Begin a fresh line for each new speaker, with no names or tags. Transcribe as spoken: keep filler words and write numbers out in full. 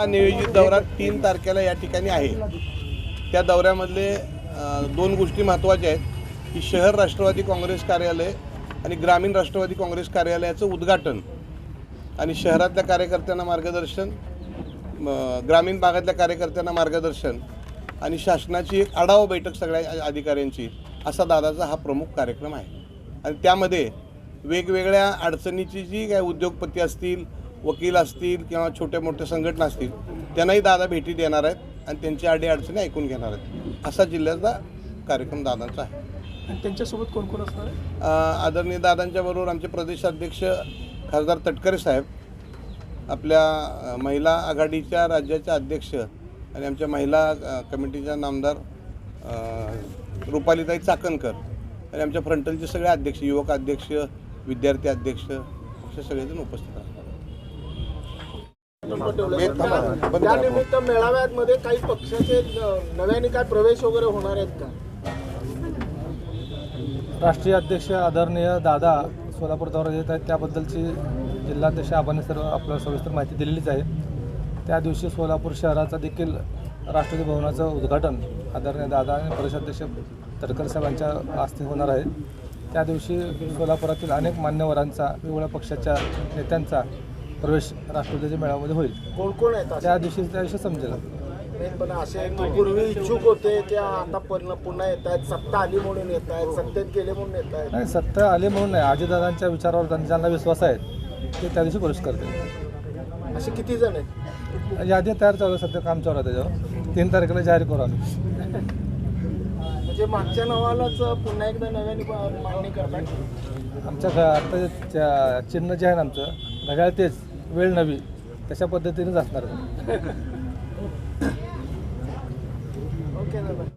नियोजित दौरा तीन तारखेला या ठिकाणी आहे। त्या दौऱ्यामधले दोन गोष्टी महत्त्वाच्या आहेत की शहर राष्ट्रवादी काँग्रेस कार्यालय आणि ग्रामीण राष्ट्रवादी काँग्रेस कार्यालयाचं उद्घाटन आणि शहरातल्या कार्यकर्त्यांना मार्गदर्शन, ग्रामीण भागातल्या कार्यकर्त्यांना मार्गदर्शन आणि शासनाची एक आढावा बैठक सगळ्या अधिकाऱ्यांची, असा दादाचा हा प्रमुख कार्यक्रम आहे। आणि त्यामध्ये वेगवेगळ्या अडचणीची जी काय उद्योगपती असतील, वकील असतील किंवा छोट्या मोठ्या संघटना असतील त्यांनाही दादा भेटी देणार आहेत आणि त्यांची अडी अडचणी ऐकून घेणार आहेत। असा जिल्ह्याचा कार्यक्रम दादांचा आहे।
आणि त्यांच्यासोबत कोण कोण असणार आहे?
आदरणीय दादांच्या बरोबर आमचे प्रदेशाध्यक्ष खासदार तटकरे साहेब, आपल्या महिला आघाडीच्या राज्याच्या अध्यक्ष आणि आमच्या महिला कमिटीच्या नामदार रुपालीताई चाकणकर आणि आमच्या फ्रंटलचे सगळे अध्यक्ष, युवक अध्यक्ष, विद्यार्थी अध्यक्ष असे सगळेजण उपस्थित असतात।
त्यानिमित्त मेळाव्यामध्ये काही पक्षाचे नव्याने काय प्रवेश वगैरे होणार आहेत का?
राष्ट्रीय अध्यक्ष आदरणीय दादा सोलापूर दौरा येत आहेत, त्याबद्दलची जिल्हाध्यक्ष आबांनी सर्व आपल्याला सविस्तर माहिती दिलेलीच आहे। त्या दिवशी सोलापूर शहराचा देखील राष्ट्रपती भवनाचं उद्घाटन आदरणीय दादा आणि प्रदेशाध्यक्ष तटकरे साहेबांच्या हस्ते होणार आहे। त्या दिवशी सोलापुरातील अनेक मान्यवरांचा, वेगवेगळ्या पक्षाच्या नेत्यांचा प्रवेश राष्ट्रपतीच्या मेळाव्यामध्ये होईल।
कोण कोण आहेत
त्या दिवशी त्या दिवशी समजेल।
पण असे पूर्वी इच्छुक होते की आता पुन्हा येत आहेत, सत्ता आली म्हणून येत आहेत, सत्तेत गेले म्हणून येत आहेत?
नाही, सत्ता आली म्हणून नाही, अजितदादांच्या विचारावर ज्यांना विश्वास आहे ते त्या दिवशी प्रवेश करतील।
असे किती जण आहेत?
यादी तयार चालू आहे, सध्या काम चालू आहे, त्याच्यावर तीन तारखेला जाहीर करू आम्ही।
म्हणजे मागच्या नावालाच पुन्हा एकदा नव्याने मागणी करतात?
आमच्या घ आता चिन्ह जे आहे ना आमचं घड्याळ, तेच वेळ नवी, तशा पद्धतीनेच असणार।
ओके दादा.